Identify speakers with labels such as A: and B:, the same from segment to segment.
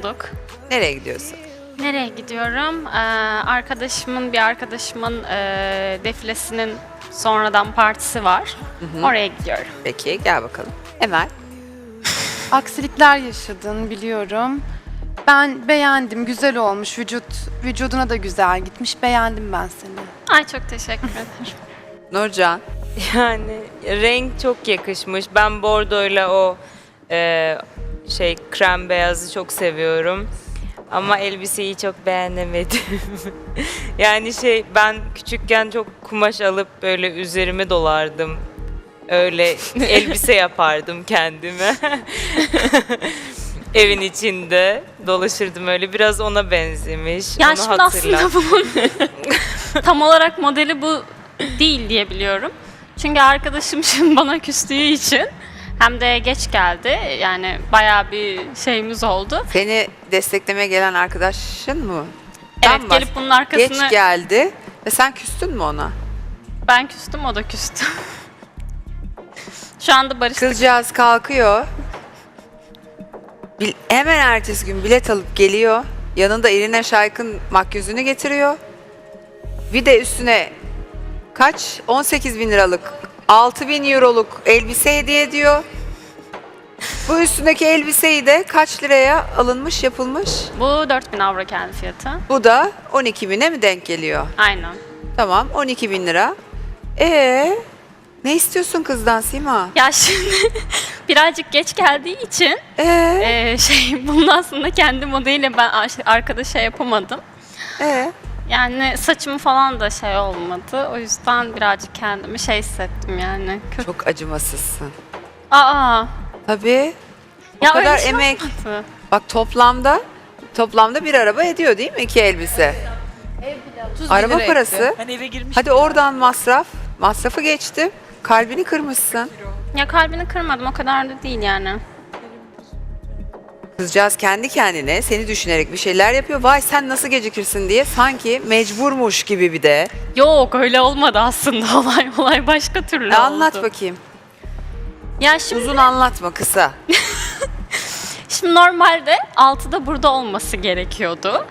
A: bulduk.
B: Nereye gidiyorsun?
A: Nereye gidiyorum? Arkadaşımın defilesinin sonradan partisi var. Oraya gidiyorum.
B: Peki gel bakalım. Emel.
C: Aksilikler yaşadın biliyorum. Ben beğendim, güzel olmuş. Vücuduna da güzel gitmiş. Beğendim ben seni.
A: Ay çok teşekkür ederim.
B: Nurcan.
D: Yani renk çok yakışmış. Ben bordoyla o krem beyazı çok seviyorum. Ama elbiseyi çok beğenemedim. Yani ben küçükken çok kumaş alıp böyle üzerime dolardım. Öyle elbise yapardım kendime. Evin içinde dolaşırdım öyle. Biraz ona benzemiş.
A: Ya
D: Onu
A: şimdi
D: hatırlat.
A: aslında bunun tam olarak modeli bu değil diye biliyorum. Çünkü arkadaşım şimdi bana küstüğü için hem de geç geldi. Yani bayağı bir şeyimiz oldu.
B: Seni desteklemeye gelen arkadaşın mı?
A: Evet,
B: Sen
A: gelip bunun arkasını
B: Geç geldi ve sen küstün mü ona?
A: ben küstüm, o da küstü. Şu anda barıştık.
B: Kızcağız kalkıyor. Hemen ertesi gün bilet alıp geliyor. Yanında Irina Shayk'ın makyözünü getiriyor. Bir de üstüne kaç? 18 bin liralık, 6 bin euroluk elbise hediye ediyor. Bu üstündeki elbiseyi de kaç liraya alınmış, yapılmış?
A: Bu 4.000 avro kendi fiyatı.
B: Bu da 12 bine mi denk geliyor?
A: Aynen.
B: Tamam, 12 bin lira. Ne istiyorsun kızdan Sima?
A: Ya şimdi birazcık geç geldiği için bunun aslında kendi modeliyle ben arkadaşa yapamadım. Yani saçım falan da şey olmadı. O yüzden birazcık kendimi hissettim yani. Kötü.
B: Çok acımasızsın.
A: Aa.
B: Tabii. O
A: Ya
B: kadar
A: öyle bir şey
B: emek.
A: olmadı.
B: Bak toplamda bir araba ediyor değil mi? 2 elbise. Araba parası.
E: Ben eve girmiştim.
B: Hadi oradan masrafı geçti. Kalbini kırmışsın.
A: Ya kalbini kırmadım, o kadar da değil yani.
B: Kızcağız kendi kendine seni düşünerek bir şeyler yapıyor. Vay sen nasıl gecikirsin diye sanki mecburmuş gibi bir de.
A: Yok, öyle olmadı aslında. Olay başka türlü oldu.
B: Anlat bakayım.
A: Ya şimdi
B: Uzun anlatma, kısa.
A: Şimdi normalde 6'da burada olması gerekiyordu.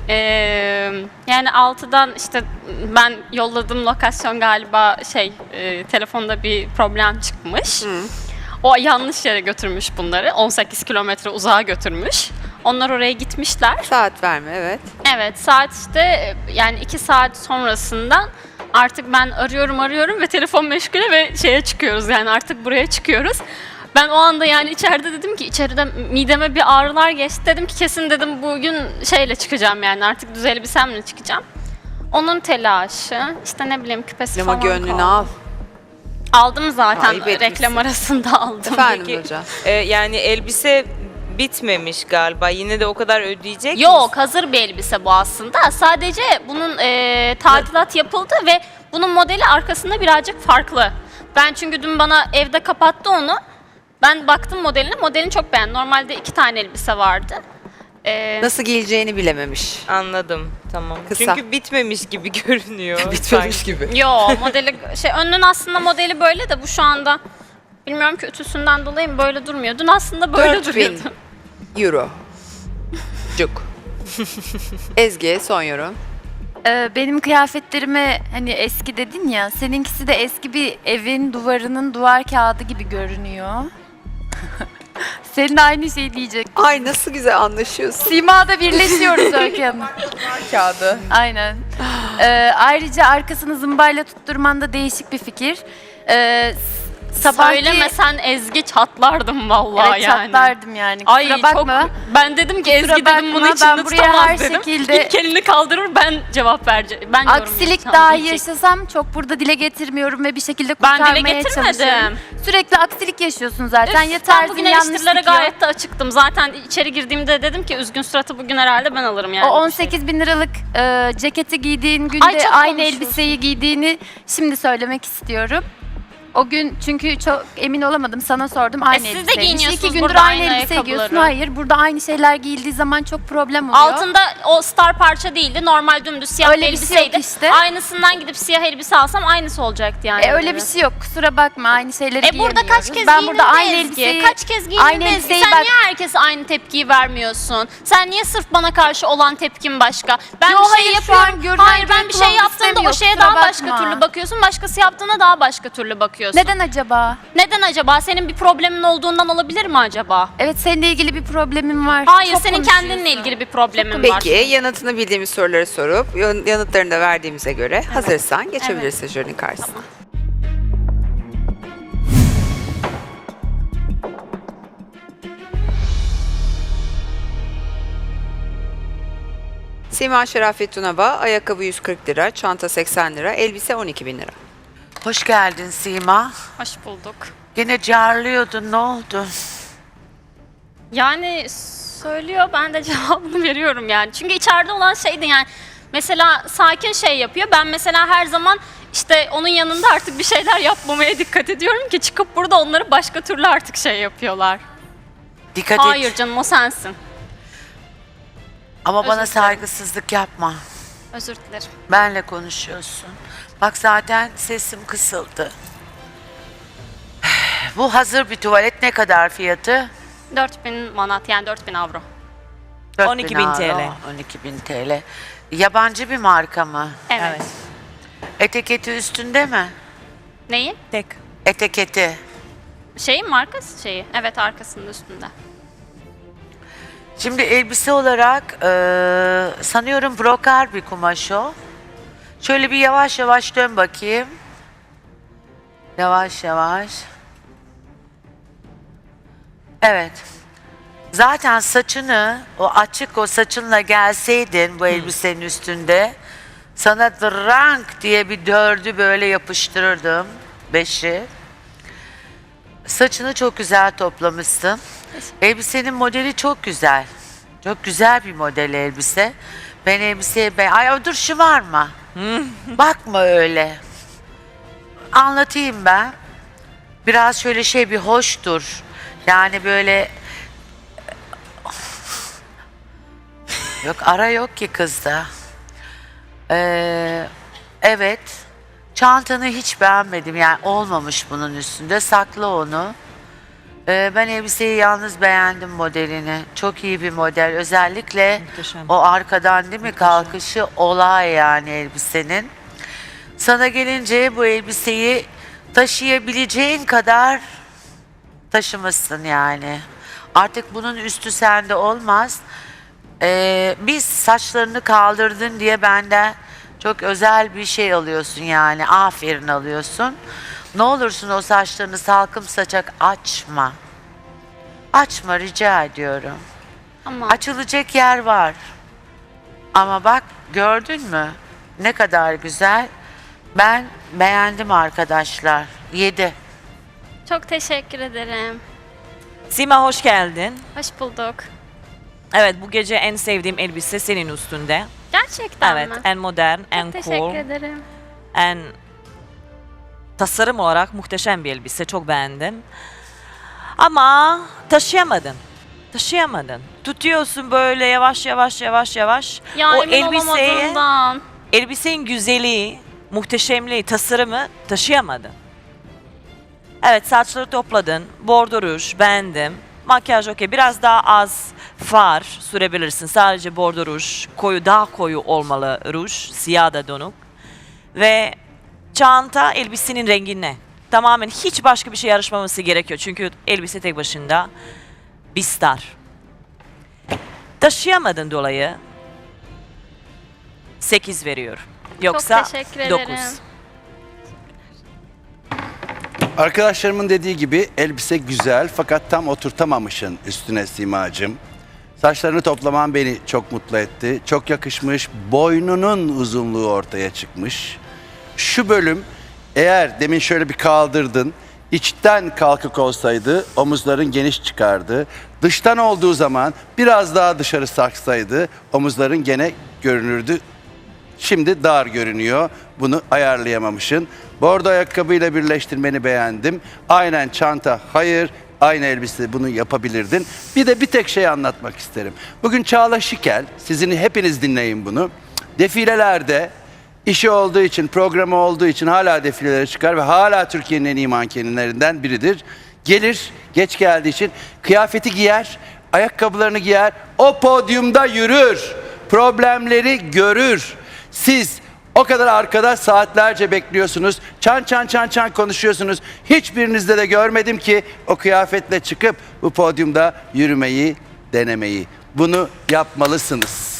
A: Yani 6'dan işte ben yolladığım lokasyon galiba telefonda bir problem çıkmış. O yanlış yere götürmüş bunları. 18 kilometre uzağa götürmüş. Onlar oraya gitmişler.
B: Saat verme, evet.
A: Evet, saat işte yani 2 saat sonrasından artık ben arıyorum ve telefon meşgule ve çıkıyoruz, yani artık buraya çıkıyoruz. Ben o anda yani içeride dedim ki, içeride mideme bir ağrılar geçti. Dedim ki kesin dedim bugün çıkacağım, yani artık düz elbisemle çıkacağım. Onun telaşı, işte ne bileyim küpesi
B: Ama
A: falan
B: gönlünü
A: kaldı.
B: al.
A: Aldım zaten,
B: Ayıp etmişsin.
A: reklam arasında aldım.
B: Efendim
D: Peki,
B: Nurcan.
D: yani elbise bitmemiş galiba. Yine de o kadar ödeyecek misin?
A: Yok, hazır bir elbise bu aslında. Sadece bunun tadilat yapıldı ve bunun modeli arkasında birazcık farklı. Ben çünkü dün bana evde kapattı onu. Ben baktım modeline, modelini çok beğendim. Normalde 2 tane elbise vardı.
B: Nasıl giyileceğini bilememiş.
D: Anladım, tamam.
B: Kısa.
D: Çünkü bitmemiş gibi görünüyor.
B: Bitmemiş gibi.
A: Yo, modeli önünün aslında modeli böyle de bu şu anda bilmiyorum ki ütüsünden dolayı mı böyle durmuyor. Dün aslında böyle
B: 4.000
A: duruyordu.
B: euro. Cuk. Ezgi son yorum.
C: Benim kıyafetlerime hani eski dedin ya, seninkisi de eski bir evin duvarının duvar kağıdı gibi görünüyor. Senin de aynı şey diyecek.
B: Ay nasıl güzel anlaşıyorsun.
C: Sima'da birleşiyoruz Öykü Hanım.
B: Kağıdı.
C: Aynen. Ayrıca arkasını zımbayla tutturman da değişik bir fikir.
A: Söylemesen Ezgi çatlardım vallahi
C: Evet,
A: yani.
C: çatlardım yani.
A: Ay
C: Kusura bakma.
A: çok, ben dedim ki Ezgi
C: Kusura
A: dedim bunu
C: bakma,
A: içinde
C: ben buraya
A: tutamaz
C: her
A: dedim.
C: şekilde-
A: İlk elini kaldırır, ben cevap vereceğim. Ben yorum
C: Aksilik
A: yapacağım
C: dahi
A: diyecek.
C: yaşasam çok burada dile getirmiyorum ve bir şekilde
A: Ben dile
C: kurtarmaya
A: getirmedim.
C: çalışıyorum. Sürekli aksilik yaşıyorsun zaten.
A: Üf,
C: Ya
A: ben
C: tarzın
A: bugün
C: yanlış
A: eleştirilere
C: dikiyor.
A: gayet de açıktım. Zaten içeri girdiğimde dedim ki üzgün suratı bugün herhalde ben alırım yani.
C: O
A: bir şey.
C: 18 bin liralık ceketi giydiğin günde
A: Ay, çok
C: aynı
A: konuşuyorsun.
C: elbiseyi giydiğini şimdi söylemek istiyorum. O gün çünkü çok emin olamadım. Sana sordum aynı
A: siz de
C: elbiseymiş.
A: giyiniyorsunuz
C: 2 gündür
A: burada
C: aynı
A: aynı
C: elbise giyiyorsun.
A: ayakkabıları.
C: Hayır, burada aynı şeyler giyildiği zaman çok problem oluyor.
A: Altında o star parça değildi. Normal dümdüz siyah
C: Öyle
A: bir
C: bir şey yok
A: elbiseydi.
C: işte.
A: Aynısından gidip siyah elbise alsam aynısı olacaktı yani.
C: Öyle bir şey yok. Kusura bakma. Aynı şeyleri
A: Burada kaç kez
C: Ben
A: giyindin
C: burada aynı
A: Ezgi?
C: elbiseyi...
A: Kaç kez giyindin
C: aynı
A: Ezgi?
C: elbiseyi
A: Sen
C: bak-
A: niye herkese aynı tepkiyi vermiyorsun? Sen niye sırf bana karşı olan tepkin başka? Ben
C: Yo,
A: bir şey
C: hayır, şu an
A: yapıyorum.
C: görünen
A: Hayır ben bir şey
C: kulağım
A: yaptığımda o
C: istemiyor,
A: şeye
C: kusura
A: daha başka
C: bakma.
A: türlü bakıyorsun. Başkası yaptığında daha başka türlü bakıyorsun.
C: Neden acaba?
A: Neden acaba? Senin bir problemin olduğundan olabilir mi acaba?
C: Evet, seninle ilgili bir problemim var.
A: Hayır,
C: Çok
A: senin
C: konuşuyorsun.
A: kendinle ilgili bir problemin var.
B: Peki yanıtını bildiğimiz soruları sorup yanıtlarını da verdiğimize göre hazırsan geçebilirsin jürinin karşısına. Sima Şerafet Tunava, ayakkabı 140 lira, çanta 80 lira, elbise 12 bin lira.
E: Hoş geldin Sima.
A: Hoş bulduk.
E: Yine carlıyordun, ne oldu?
A: Yani söylüyor, ben de cevabını veriyorum yani. Çünkü içeride olan şeydi yani. Mesela sakin şey yapıyor. Ben mesela her zaman işte onun yanında artık bir şeyler yapmamaya dikkat ediyorum ki çıkıp burada onları başka türlü artık şey yapıyorlar.
E: Dikkat
A: Hayır
E: et.
A: canım, o sensin.
E: Ama
A: özür
E: bana
A: dilerim.
E: saygısızlık yapma.
A: Özür dilerim.
E: Benle konuşuyorsun. Bak zaten sesim kısıldı. Bu hazır bir tuvalet ne kadar fiyatı?
A: 4000 manat yani 4000 avro.
E: 4000
D: 12.000
E: euro,
D: TL.
E: 12.000 TL. Yabancı bir marka mı?
A: Evet.
E: Etiketi üstünde mi?
A: Neyi?
D: Tek.
E: Etiketi.
A: Şeyin markası şeyi. Evet, arkasında üstünde.
E: Şimdi elbise olarak sanıyorum brokar bir kumaş o. Şöyle bir yavaş yavaş dön bakayım. Yavaş yavaş. Evet. Zaten saçını, o açık o saçınla gelseydin bu elbisenin üstünde, sana rank diye bir 4'ü böyle yapıştırırdım. 5'i. Saçını çok güzel toplamışsın. Elbisenin modeli çok güzel. Çok güzel bir model elbise. Ben elbiseye Ay dur şu var mı? Bakma öyle. Anlatayım ben. Biraz şöyle bir hoştur. Yani böyle... Yok ara yok ki kızda. Evet. Çantanı hiç beğenmedim. Yani olmamış bunun üstünde. Sakla onu. Ben elbiseyi yalnız beğendim modelini. Çok iyi bir model. Özellikle
D: Muhteşem.
E: o arkadan değil mi kalkışı olay yani elbisenin. Sana gelince bu elbiseyi taşıyabileceğin kadar taşımışsın yani. Artık bunun üstü sende olmaz. Biz saçlarını kaldırdın diye benden çok özel bir şey alıyorsun yani. Aferin alıyorsun. Ne olursun o saçlarını salkım saçak açma. Açma rica ediyorum.
A: Ama
E: Açılacak yer var. Ama bak gördün mü? Ne kadar güzel. Ben beğendim arkadaşlar. 7.
A: çok teşekkür ederim.
D: Sima hoş geldin.
A: Hoş bulduk.
D: Evet, bu gece en sevdiğim elbise senin üstünde.
A: Gerçekten
D: Evet,
A: mi?
D: en modern,
A: Çok
D: en
A: teşekkür
D: cool,
A: ederim.
D: en tasarım olarak muhteşem bir elbise. Çok beğendim. Ama taşıyamadın. Taşıyamadın. Tutuyorsun böyle yavaş yavaş yavaş yavaş.
A: Ya
D: o
A: emin olamadığımdan.
D: elbisenin güzelliği, muhteşemliği, tasarımı taşıyamadın. Evet, saçları topladın, bordo ruj beğendim. Makyaj okey, biraz daha az far sürebilirsin. Sadece bordo ruj, daha koyu olmalı ruj, siyah da donuk. Ve çanta elbisenin rengine. Tamamen hiç başka bir şey yarışmaması gerekiyor. Çünkü elbise tek başında bir star. Taşıyamadın dolayı 8 veriyor. Yoksa
A: teşekkür
D: 9.
A: ederim.
F: Arkadaşlarımın dediği gibi elbise güzel fakat tam oturtamamışsın üstüne Simacığım. Saçlarını toplaman beni çok mutlu etti. Çok yakışmış. Boynunun uzunluğu ortaya çıkmış. Şu bölüm eğer demin şöyle bir kaldırdın, içten kalkık olsaydı omuzların geniş çıkardı. Dıştan olduğu zaman biraz daha dışarı saksaydı omuzların gene görünürdü. Şimdi dar görünüyor. Bunu ayarlayamamışsın. Bordo ayakkabıyla birleştirmeni beğendim. Aynen çanta, hayır. Aynı elbise bunu yapabilirdin. Bir de bir tek şey anlatmak isterim. Bugün Çağla Şikel, sizin hepiniz dinleyin bunu. Defilelerde işi olduğu için, programı olduğu için hala defilelere çıkar ve hala Türkiye'nin en iyi mankenlerinden biridir. Gelir, geç geldiği için kıyafeti giyer, ayakkabılarını giyer, o podyumda yürür, problemleri görür. Siz o kadar arkada saatlerce bekliyorsunuz, çan konuşuyorsunuz. Hiçbirinizde de görmedim ki o kıyafetle çıkıp bu podyumda yürümeyi, denemeyi. Bunu yapmalısınız.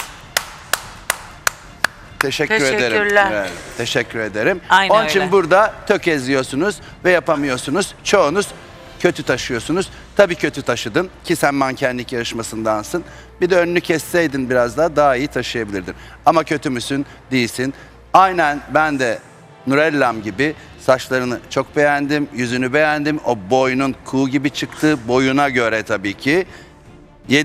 F: Teşekkür ederim.
E: Teşekkürler.
F: Evet, teşekkür ederim.
G: Aynen
F: Onun için
G: öyle.
F: burada tökezliyorsunuz ve yapamıyorsunuz. Çoğunuz kötü taşıyorsunuz. Tabii kötü taşıdın ki sen mankenlik yarışmasındansın. Bir de önünü kesseydin biraz daha iyi taşıyabilirdin. Ama kötü müsün? Değilsin. Aynen ben de Nurellam gibi saçlarını çok beğendim, yüzünü beğendim. O boynun kuğu gibi çıktı, boyuna göre tabii ki.